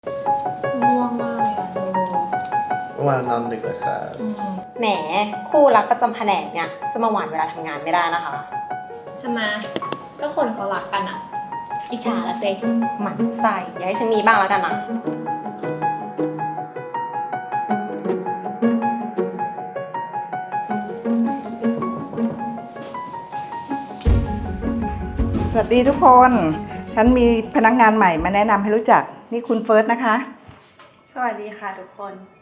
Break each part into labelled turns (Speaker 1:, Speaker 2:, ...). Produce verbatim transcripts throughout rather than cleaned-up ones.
Speaker 1: ง่วงมากเลยอะโ
Speaker 2: เมื่อวานนอนดึกเลยค่ะ
Speaker 3: แหมคู่รักประจำแผนกเนี่ยจะมาหวานเวลาทำงานไม่ได้นะคะ
Speaker 1: ทำไมก็คนเขารักกันอะอิจฉาละเซ็
Speaker 3: หมั่นไส้อย่าให้ฉันมีบ้างแล้วกันนะ
Speaker 4: สวัสดีทุกคน ฉันมีพนักงานใหม่มาแนะนำให้รู้จัก นี่คุณเฟิร์สนะคะ
Speaker 5: สวัสดีค่ะทุกคน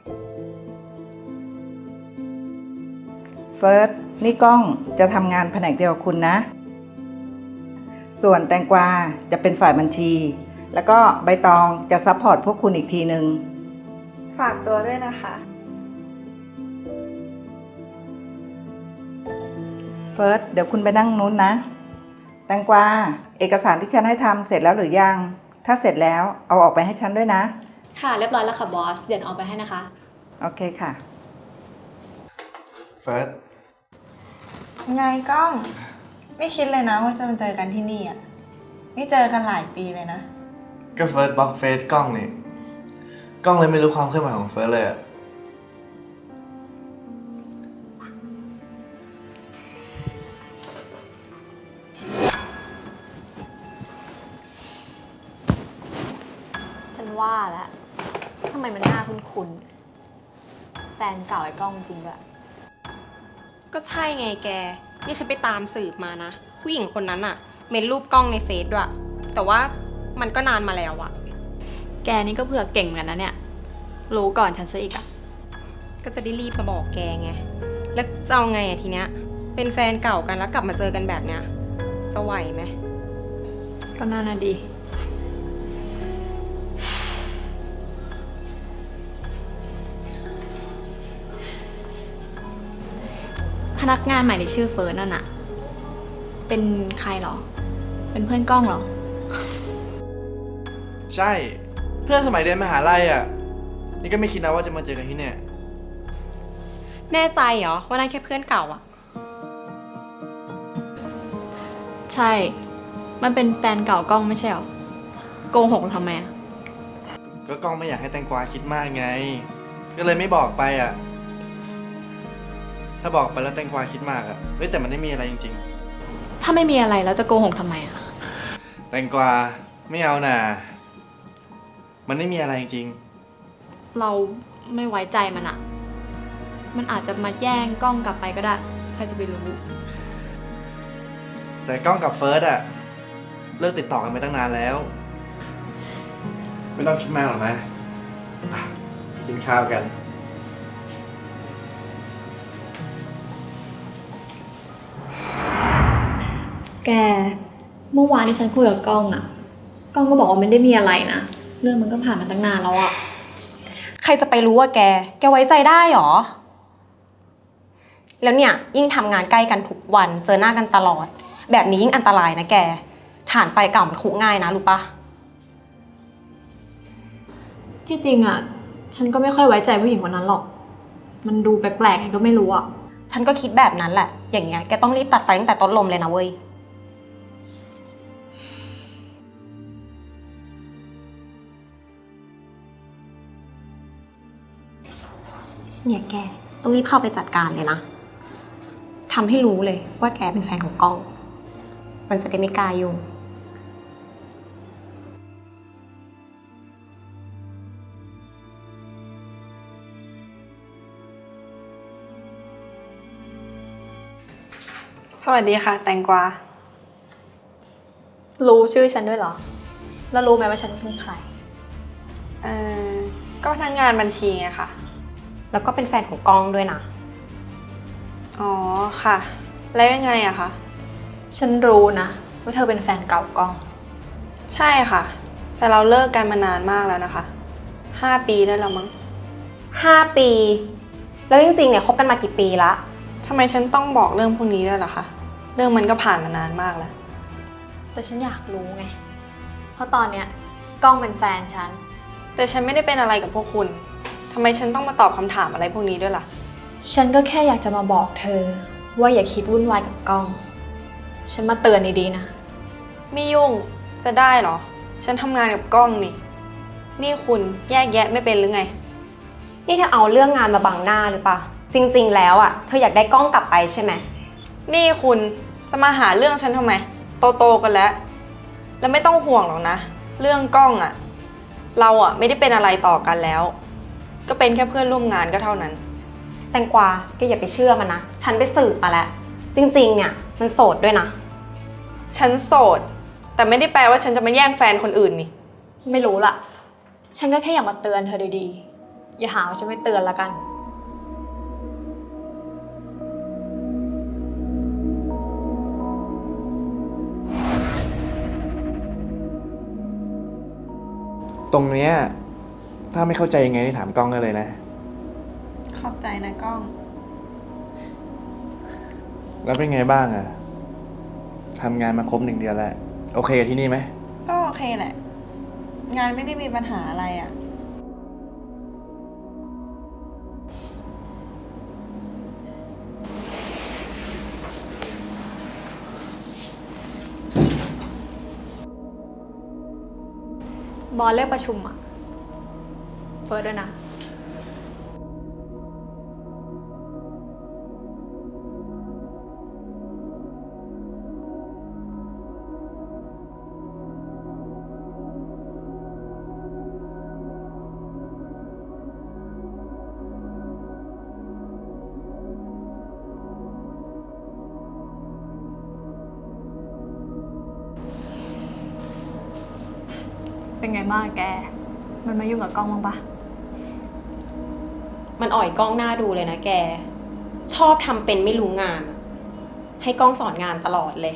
Speaker 4: เฟิร์ส นี่ก้องจะทำงานแผนกเดียวกับคุณนะ ส่วนแตงกวาจะเป็นฝ่ายบัญชี แล้วก็ใบตองจะซัพพอร์ตพวกคุณอีกทีนึง
Speaker 5: ฝากตัวด้วยนะคะ
Speaker 4: เฟิร์ส เดี๋ยวคุณไปนั่งนู้นนะ แตงกวาเอกสารที่ฉันให้ทำเสร็จแล้วหรือยัง ถ้าเสร็จแล้วเอาออกไปให้ฉันด้วยนะ
Speaker 1: ค่ะเรียบร้อยแล้วค่ะบอสเดี๋ยวเอาไปให้นะคะ
Speaker 4: โอเคค่ะ
Speaker 2: เฟิร์ส
Speaker 5: ไงก้อง ไม่คิดเลยนะว่าจะมาเจอกันที่นี่อ่ะ ไม่เจอกันหลายปีเลยนะ
Speaker 2: ก็เฟิร์สบล็อกเฟซกล้องนี่กล้องเลยไม่รู้ความเคลื่อนไหวของเฟิร์สเลยอะ
Speaker 1: ฉันว่าแล้วทำไมมันน่าคุ้นๆแฟนเก่าไอ้กล้องจริงด้วย
Speaker 3: ก็ใช่ไงแกนี่ฉันไปตามสืบมานะผู้หญิงคนนั้นอะเมนรูปกล้องในเฟซด้วยแต่ว่ามันก็นานมาแล้วอะ
Speaker 1: แกนี่ก็เผื่อเก่งเหมือนกันนะเนี่ยรู้ก่อนฉันซะอีกอะ
Speaker 3: ก็จะได้รีบมาบอกแกไงแล้วจะเอาไงอะทีเนี้ยเป็นแฟนเก่ากันแล้วกลับมาเจอกันแบบเนี้ยจะไหวไหม
Speaker 1: ก็น่าน่าดีพนักงานใหม่ที่ชื่อเฟิร์นนั่นอะเป็นใครเหรอ เป็นเพื่อนกล้องเหรอ
Speaker 2: ใช่เพื่อนสมัยเรียนมหาลัยอะนี่ก็ไม่คิดนะว่าจะมาเจอกันที่เนี่ย
Speaker 3: แน่ใจเหรอว่านั่นแค่เพื่อนเก่าอะ
Speaker 1: ใช่ มันเป็นแฟนเก่ากล้องไม่ใช่เหรอ โกหกทำไมอะ
Speaker 2: ก็กล้องไม่อยากให้แตงกวาคิดมากไง ก็เลยไม่บอกไปอะถ้าบอกไปแล้วแตงกวาคิดมากอะเฮ้ยแต่มันไม่มีอะไรจริง
Speaker 1: ถ้าไม่มีอะไรแล้วจะโกหกทำไมอะ
Speaker 2: ๆ แตงกวาไม่เอาน่ะมันไม่มีอะไรจริง
Speaker 1: เราไม่ไว้ใจมันอะมันอาจจะมาแย่งกล้องกลับไปก็ได้ ใครจะไปรู้
Speaker 2: แต่กล้องกับเฟิร์สอะเลิกติดต่อกันไปตั้งนานแล้ว ไม่ต้องคิดมากหรอกนะอ่ะกินข้าวกัน
Speaker 1: แก เมื่อวานที่ฉันคุยกับกล้องอะกล้องก็บอกว่าไม่ได้มีอะไรนะ เรื่องมันก็ผ่านมาตั้งนานแล้วอะ
Speaker 3: ใครจะไปรู้ว่าแก แกไว้ใจได้หรอ แล้วเนี่ยยิ่งทำงานใกล้กันทุกวันเจอหน้ากันตลอด แบบนี้ยิ่งอันตรายนะแกฐานไฟเก่ามันคุกง่ายนะรู้ปะ
Speaker 1: ที่จริงอะฉันก็ไม่ค่อยไว้ใจผู้หญิงคนนั้นหรอก มันดูแปลกๆไงก็ไม่รู้อะ
Speaker 3: ฉันก็คิดแบบนั้นแหละ อย่างเงี้ยแกต้องรีบตัดไฟตั้งแต่ต้นลมเลยนะเว้ยเนี่ยแกต้องรีบเข้าไปจัดการเลยนะทำให้รู้เลยว่าแกเป็นแฟนของกล้อง มันจะได้ไม่กล้ายุ่ง
Speaker 5: สวัสดีค่ะ แตงกวา
Speaker 1: รู้ชื่อฉันด้วยเหรอ แล้วรู้ไหมว่าฉันเป็นใคร
Speaker 5: เอ่อ ก็พนักงานบัญชีไงค่ะ
Speaker 3: แล้วก็เป็นแฟนของกล้องด้วยนะ
Speaker 5: อ๋อค่ะ แล้วยังไงอะคะ
Speaker 1: ฉันรู้นะว่าเธอเป็นแฟนเก่ากล้อง
Speaker 5: ใช่ค่ะ แต่เราเลิกกันมานานมากแล้วนะคะห้าปีได้แล้วมั้ง
Speaker 3: ห้าปี แล้วจริงๆเนี่ยคบกันมากี่ปีละ
Speaker 5: ทำไมฉันต้องบอกเรื่องพวกนี้ด้วยล่ะคะ เรื่องมันก็ผ่านมานานมากแล้ว
Speaker 1: แต่ฉันอยากรู้ไง เพราะตอนเนี้ยกล้องเป็นแฟนฉัน
Speaker 5: แต่ฉันไม่ได้เป็นอะไรกับพวกคุณทำไมฉันต้องมาตอบคำถามอะไรพวกนี้ด้วยล่ะ
Speaker 1: ฉันก็แค่อยากจะมาบอกเธอ ว่าอย่าคิดวุ่นวายกับกล้อง ฉันมาเตือนดีๆนะ
Speaker 5: ไม่ยุ่ง จะได้เหรอ ฉันทำงานกับกล้องนี่นี่คุณแยกแยะไม่เป็นหรือไง
Speaker 3: นี่เธอเอาเรื่องงานมาบังหน้าหรือเปล่า จริงๆ แล้วอ่ะ เธออยากได้กล้องกลับไปใช่ไหม
Speaker 5: นี่คุณจะมาหาเรื่องฉันทำไม โตๆกันแล้ว แล้วไม่ต้องห่วงหรอกนะ เรื่องกล้องอะเราอะไม่ได้เป็นอะไรต่อกันแล้ว ก็เป็นแค่เพื่อนร่วมงานก็เท่านั้น
Speaker 3: แตงกวาแกอย่าไปเชื่อมันนะ ฉันไปสืบมาแล้ว จริงๆ เนี่ยมันโสดด้วยนะ
Speaker 5: ฉันโสด แต่ไม่ได้แปลว่าฉันจะมาแย่งแฟนคนอื่นนี่
Speaker 1: ไม่รู้ล่ะ ฉันก็แค่อยากมาเตือนเธอดีๆ อย่าหาว่าฉันไม่เตือนละกัน
Speaker 2: ตรงเนี้ยถ้าไม่เข้าใจยังไงนี่ถามกล้องได้เลยนะ
Speaker 5: ขอบใจนะกล้อง
Speaker 2: แล้วเป็นไงบ้างอะทำงานมาครบหนึ่งเดือนแล้ว โอเคกับที่นี่ไหม
Speaker 5: ก็โอเคแหละ งานไม่ได้มีปัญหาอะไรอะ
Speaker 1: บอสเรียกประชุมอะเฟิร์สด้วยนะ เป็นไงบ้างแก มันมายุ่งกับกล้องบ้างปะ
Speaker 3: มันอ่อยกล้องหน้าดูเลยนะแก ชอบทำเป็นไม่รู้งาน ให้กล้องสอนงานตลอดเลย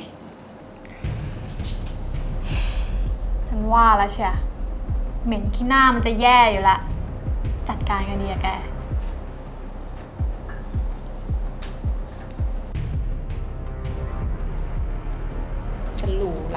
Speaker 1: ฉันว่าแล้วเชียเหม็นขี้หน้ามันจะแย่อยู่ละ จัดการกันดีอะแก
Speaker 3: ฉันรู้ละ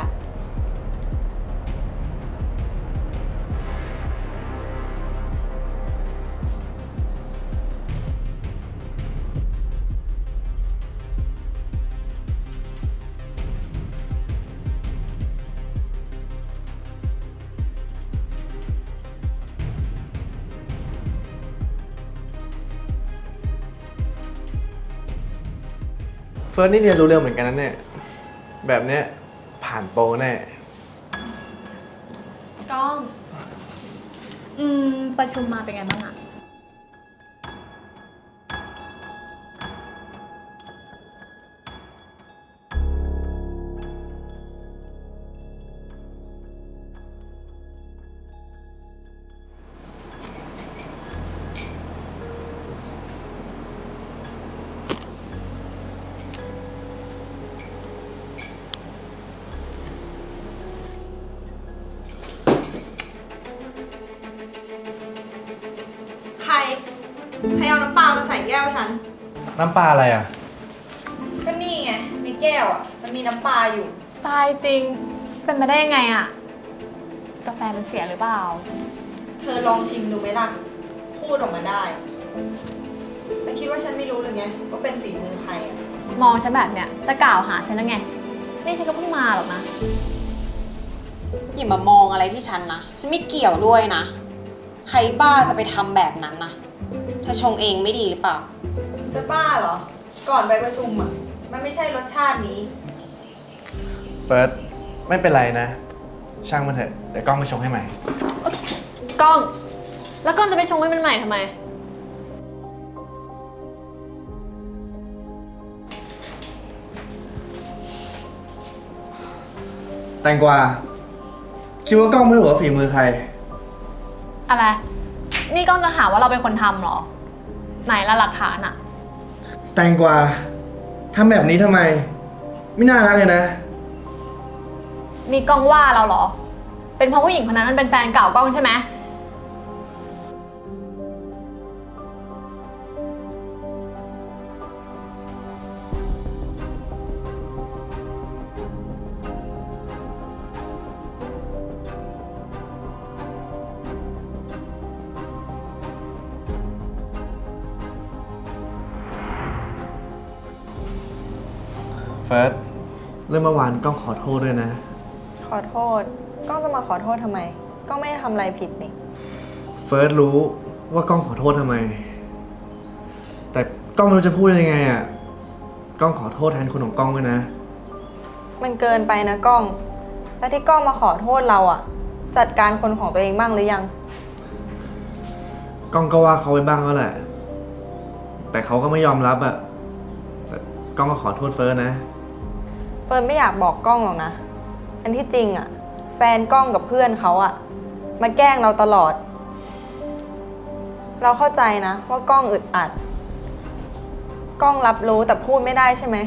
Speaker 2: เฟิร์สนี่เรียนรู้เร็วเหมือนกันนะเนี่ย แบบเนี้ยผ่านโปรแน่
Speaker 1: กล้อง อืม ประชุมมาเป็นไงบ้างอะ
Speaker 5: ใคร ใครเอาน้ำปลามาใส่แก้วฉัน
Speaker 2: น้ำปลาอะไรอะ
Speaker 5: ก็นี่ไงในแก้วอะมันมีน้ำปลาอยู่
Speaker 1: ตายจริง เป็นไปได้ยังไงอะกาแฟมันเสียหรือเปล่า
Speaker 5: เธอลองชิมดูไหมล่ะ พูดออกมาได้แล้วคิดว่าฉันไม่รู้เลยไงว่าเป็นฝีมือใครอะ
Speaker 1: มองฉันแบบเนี้ยจะกล่าวหาฉันแล้วไง นี่ฉันก็เพิ่งมาหรอกนะ
Speaker 3: อย่ามามองอะไรที่ฉันนะ ฉันไม่เกี่ยวด้วยนะ ใครบ้าจะไปทำแบบนั้นนะเธอชงเองไม่ดีหรือเปล่า
Speaker 5: จะบ้าเหรอ ก่อนไปประชุมอะมันไม่ใช่รสชาตินี้
Speaker 2: เฟิร์สไม่เป็นไรนะ ช่างมันเถอะ เดี๋ยวกล้องไปชงให้ใหม่
Speaker 1: กล้อง แล้วกล้องจะไปชงให้มันใหม่ทำไม
Speaker 2: แตงกวาคิดว่ากล้องไม่รู้ว่าฝีมือใคร
Speaker 1: อะไร นี่กล้องจะหาว่าเราเป็นคนทำเหรอ ไหนละหลักฐานอะ
Speaker 2: แตงกวาทำแบบนี้ทำไม ไม่น่ารักเลยนะ
Speaker 1: นี่กล้องว่าเราเหรอ เป็นเพราะผู้หญิงคนนั้นมันเป็นแฟนเก่ากล้องใช่ไหม
Speaker 2: เฟิร์สเรื่องเมื่อวานกล้องขอโทษด้วยนะ
Speaker 5: ขอโทษ ก้องจะมาขอโทษทำไม ก้องไม่ได้ทำอะไรผิดนี่
Speaker 2: เฟิร์สรู้ว่ากล้องขอโทษทำไม แต่กล้องไม่รู้จะพูดยังไงอ่ะกล้องขอโทษแทนคนของกล้องด้วยนะ
Speaker 5: มันเกินไปนะกล้อง แล้วที่กล้องมาขอโทษเราอะจัดการคนของตัวเองบ้างหรือยัง
Speaker 2: กล้องก็ว่าเขาไปบ้างแล้วแหละ แต่เขาก็ไม่ยอมรับอ่ะแต่กล้องก็ขอโทษเฟิร์สนะ
Speaker 5: เฟิร์นไม่อยากบอกกล้องหรอกนะ อันที่จริงอะแฟนกล้องกับเพื่อนเขาอะมาแกล้งเราตลอด เราเข้าใจนะว่ากล้องอึดอัด กล้องรับรู้แต่พูดไม่ได้ใช่ไหม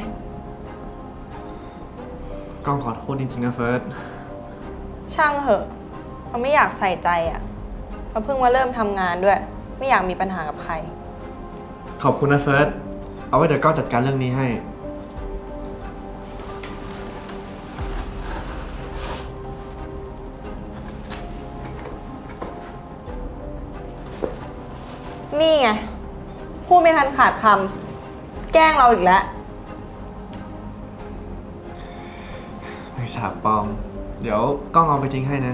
Speaker 2: กล้องขอโทษจริงๆนะเฟิร์ส
Speaker 5: ช่างเหอะเราไม่อยากใส่ใจอะเราเพิ่งมาเริ่มทำงานด้วย ไม่อยากมีปัญหากับใคร
Speaker 2: ขอบคุณนะเฟิร์ส เอาไว้เดี๋ยวกล้องจัดการเรื่องนี้ให้
Speaker 5: นี่ไง พูดไม่ทันขาดคำแกล้งเราอีกแล้ว
Speaker 2: ไม่สาบปลอม เดี๋ยวกล้องเอาไปทิ้งให้นะ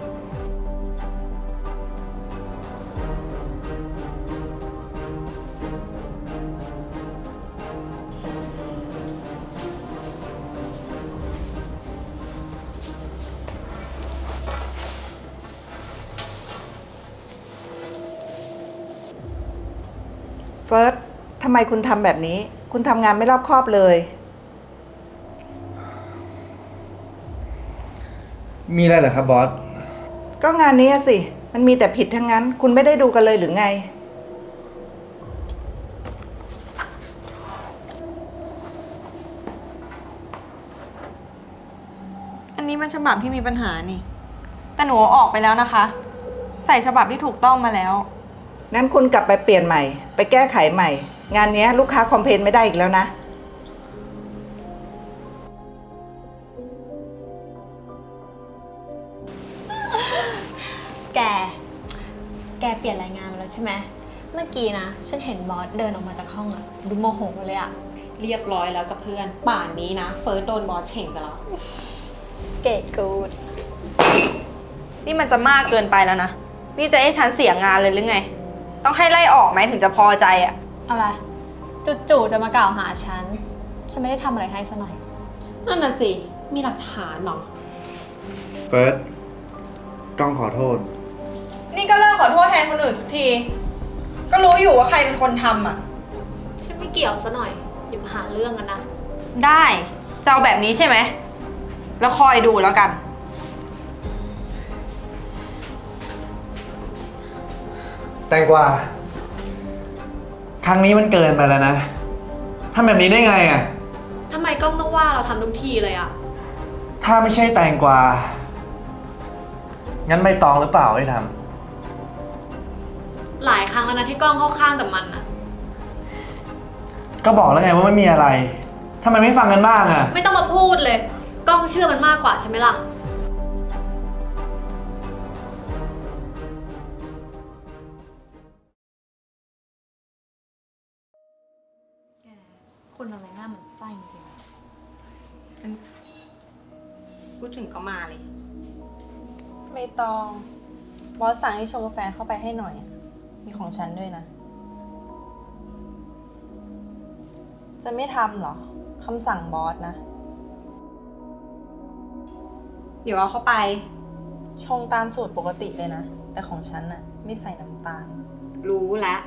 Speaker 4: เฟิร์สทำไมคุณทำแบบนี้ คุณทำงานไม่รอบคอบเลย
Speaker 2: มีอะไรเหรอครับบอส
Speaker 4: ก็งานนี้อะสิ มันมีแต่ผิดทั้งนั้น คุณไม่ได้ดูกันเลยหรือไง
Speaker 5: อันนี้มันฉบับที่มีปัญหานี่ แต่หนูเอาออกไปแล้วนะคะ ใส่ฉบับที่ถูกต้องมาแล้ว
Speaker 4: งั้นคุณกลับไปเปลี่ยนใหม่ ไปแก้ไขใหม่ งานนี้ลูกค้าคอมเพลนไม่ได้อีกแล้วนะ
Speaker 1: แก แกเปลี่ยนรายงานมาแล้วใช่ไหม เมื่อกี้นะ ฉันเห็นบอสเดินออกมาจากห้องอะดูโมโหเลยอะ
Speaker 3: เรียบร้อยแล้วจ้ะเพื่อน ป่านนี้นะ เฟิร์สโดนบอสเฉ่งไปแล้ว
Speaker 1: เกรดกูด
Speaker 5: นี่มันจะมากเกินไปแล้วนะ นี่จะให้ฉันเสียงานเลยหรือไง ต้องให้ไล่ออกไหมถึงจะพอใจอะ
Speaker 1: อะไรจู่ๆจะมากล่าวหาฉัน ฉันไม่ได้ทำอะไรให้ซะหน่อย
Speaker 3: นั่นน่ะสิ มีหลักฐานเหรอ
Speaker 2: เฟิร์ส กล้องขอโทษ
Speaker 5: นี่ก็เลิกขอโทษแทนคนอื่นสักที ก็รู้อยู่ว่าใครเป็นคนทำอะ
Speaker 1: ฉันไม่เกี่ยวซะหน่อย อย่ามาหาเรื่องกันนะ
Speaker 5: ได้จะเอาแบบนี้ใช่ไหม แล้วคอยดูแล้วกัน
Speaker 2: แตงกวา ครั้งนี้มันเกินไปแล้วนะทำแบบนี้ได้ไงอ่ะ
Speaker 1: ทำไมกล้องต้องว่าเราทำทุกทีเลยอะ
Speaker 2: ถ้าไม่ใช่แตงกวา งั้นใบตองหรือเปล่าที่ท
Speaker 1: หลายครั้งแล้วนะที่กล้องเข้าข้างแต่มันอะ
Speaker 2: ำก็บอกแล้วไงว่าไม่มีอะไรทำไมไม่ฟังกันบ้างอ่ะ
Speaker 1: ไม่ต้องมาพูดเลย กล้องเชื่อมันมากกว่าใช่ไหมล่ะ แก คนอะไรหน้ามันไส้จริง
Speaker 3: พูดถึงก็มาเลย
Speaker 5: ไม่ต้อง บอสสั่งให้ชงกาแฟเข้าไปให้หน่อย มีของฉันด้วยนะ จะไม่ทำเหรอ คำสั่งบอสนะ
Speaker 3: เดี๋ยวเอาเข้าไป
Speaker 5: ชงตามสูตรปกติเลยนะ แต่ของฉันน่ะไม่ใส่น้ำตาล
Speaker 3: รู้แล้ว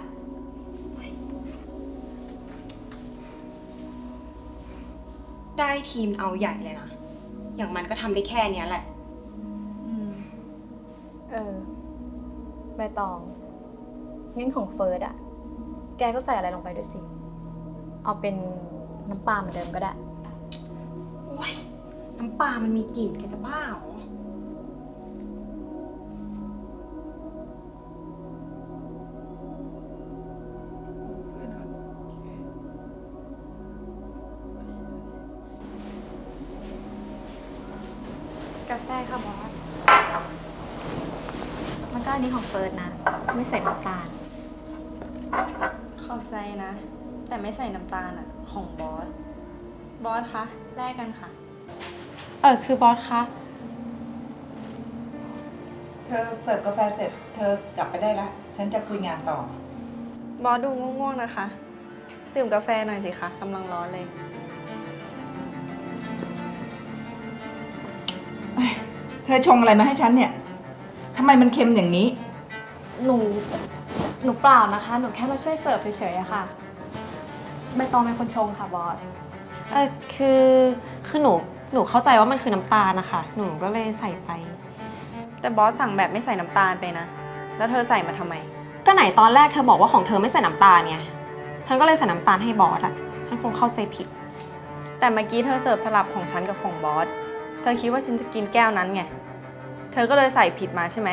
Speaker 3: ได้ทีมเอาใหญ่เลยนะ อย่างมันก็ทำได้แค่เนี้ยแหละ
Speaker 1: อืม เออ ใบตอง งั้นของเฟิร์สอะแกก็ใส่อะไรลงไปด้วยสิ เอาเป็นน้ำปลาเหมือนเดิมก็ได้
Speaker 3: โอ้ย น้ำปลามันมีกลิ่นแกจะบ้าเหรอ
Speaker 1: กาแฟค่ะบอส มันก็อันนี้ของเฟิร์สนะ ไม่ใส่น้ำตาล
Speaker 5: ขอบใจนะ แต่ไม่ใส่น้ำตาลอ่ะ ของบอส บอสคะ แลกกันค่ะ เออ คือบอสคะ พ
Speaker 4: เธอเสิร์ฟกาแฟเสร็จ เธอกลับไปได้ละ ฉันจะคุยงานต่อ
Speaker 5: บอสดูง่วงๆนะคะ ดื่มกาแฟหน่อยสิคะกำลังร้อนเลย
Speaker 4: เธอชงอะไรมาให้ฉันเนี่ยทำไมมันเค็มอย่างนี้
Speaker 1: หนู หนูเปล่านะคะ หนูแค่มาช่วยเสิร์ฟเฉยๆอะค่ะ ใบตองเป็นคนชงค่ะบอส
Speaker 3: เออคือ คือหนู หนูเข้าใจว่ามันคือน้ำตาลนะคะ หนูก็เลยใส่ไป
Speaker 5: แต่บอสสั่งแบบไม่ใส่น้ำตาลไปนะ แล้วเธอใส่มาทำไม
Speaker 3: ก็ไหนตอนแรกเธอบอกว่าของเธอไม่ใส่น้ำตาลไง ฉันก็เลยใส่น้ำตาลให้บอสอะฉันคงเข้าใจผิด
Speaker 5: แต่เมื่อกี้เธอเสิร์ฟสลับของฉันกับของบอส เธอคิดว่าฉันจะกินแก้วนั้นไง เธอก็เลยใส่ผิดมาใช่ไหม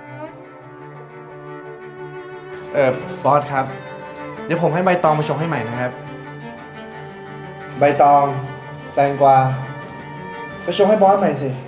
Speaker 2: เออบอสครับ เดี๋ยวผมให้ใบตองมาชงให้ใหม่นะครับ ใบตอง แตงกวาไปชงให้บอสใหม่สิ